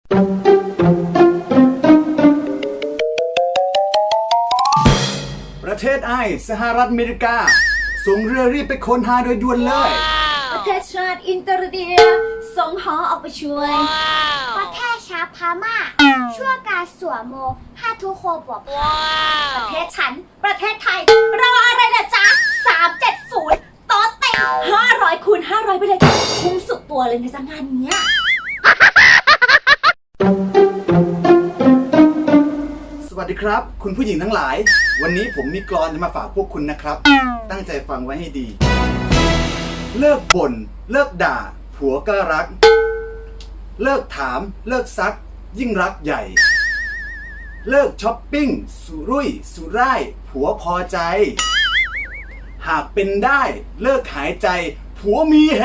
ประเทศไอสหรัฐอเมริกาส่งเรือรีบไปค้นหาโดยด่วนเลยประเทศชาติอินเตอร์เดียส่งหอออกไปช่วยประเทศชาพม่าชั่วการสวมโมฮาทุโคบวกประเทศฉันประเทศไทยรออะไรล่ะจ๊ะ370โต๊ะเต็ม500 คูณ 500ไปเลยคุ้มสุดตัวเลยในงานเนี้ยสวัสดีครับคุณผู้หญิงทั้งหลายวันนี้ผมมีกลอนจะมาฝากพวกคุณนะครับตั้งใจฟังไว้ให้ดีเลิกบ่นเลิกด่าผัวก็รักเลิกถามเลิกซักยิ่งรักใหญ่เลิกช้อปปิ้งสุรุ่ยสุร่ายผัวพอใจหากเป็นได้เลิกหายใจผัวมีเฮ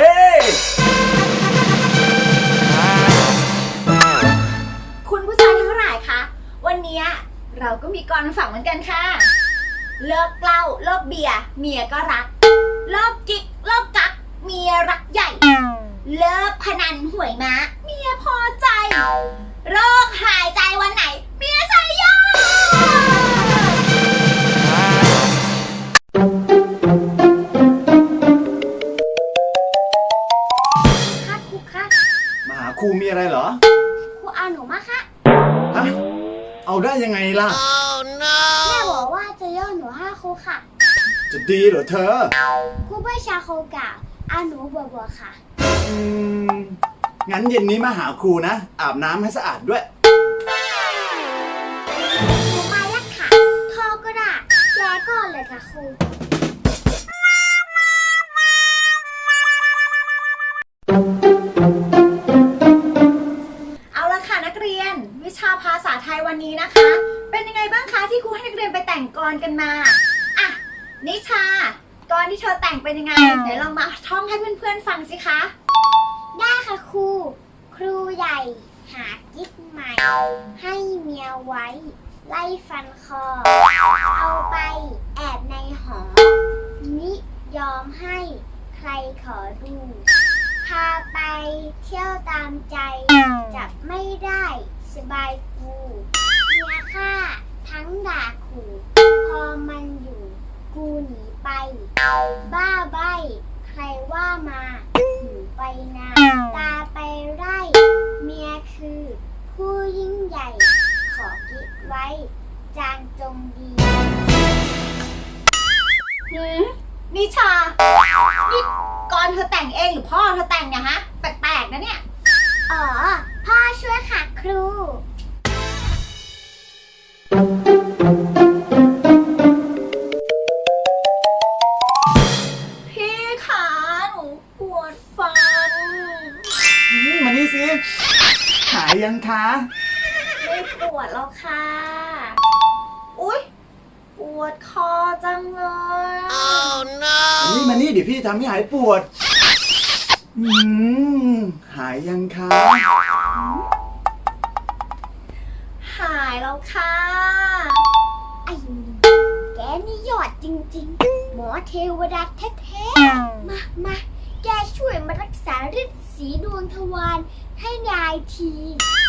คุณผู้ชายทั้งหลายคะวันนี้เราก็มีกรฝากเหมือนกันค่ะเลิกเหล้าเลิกเบียร์เมียก็รักเลิกกิ๊กเลิกกักเมียรักใหญ่เลิกพนันหวยม้าเมียพอใจเลิกหายใจวันไหนเมียใส่ยาค่ะครูคะมาหาครูมีอะไรเหรอครูเอาหนูมาค่ะฮะเอาได้ยังไงล่ะแม่บอกว่าจะย่อหนูให้ครูค่ะจะดีเหรอเธอครูประชาโคกะเอาหนูบัวค่ะงั้นเย็นนี้มาหาครูนะอาบน้ำให้สะอาดด้วยหนูมาแล้วค่ะทอก็ได้แกก่อนเลยค่ะครูเอาละค่ะนักเรียนวิชาภาษาไทยวันนี้นะคะเป็นยังไงบ้างคะที่ครูให้นักเรียนไปแต่งกลกันมาอ่ะนิชากลที่เธอแต่งเป็นยังไงเดี๋ยวลองมาท่องให้เพื่อนๆฟังสิคะได้ค่ะครูครูใหญ่หากิ๊กใหม่ให้เมียไว้ไล่ฟันคอเอาไปแอบในหอนิยอมให้ใครขอดูพาไปเที่ยวตามใจจับไม่ได้สบายกูเมียฆ่าทั้งด่าขู่พอมันอยู่กูหนีไปบ้าใบใครว่ามาหูไปนาตาไปไร่เมียคือผู้ยิ่งใหญ่ขอกิ๊กไว้จางจงดีนิชานี่กรเธอแต่งเองหรือพ่อเธอแต่งเนี่ยฮะแปลกๆนะเนี่ยอ๋อพ่อช่วยค่ะครูพี่ขาหนูปวดฟันมานี่สิหายยังคะไม่ปวดแล้วค่ะอุ๊ยปวดคอจังเลย oh, no. นี่มานี่เดี๋ยวพี่ทำให้หายปวดหายยังคะหายแล้วค่ะไอ้หนูแกนี่ยอดจริงๆหมอเทวดาแท้ๆมาแกช่วยมารักษาฤทธิ์สีดวงทวารให้ยายที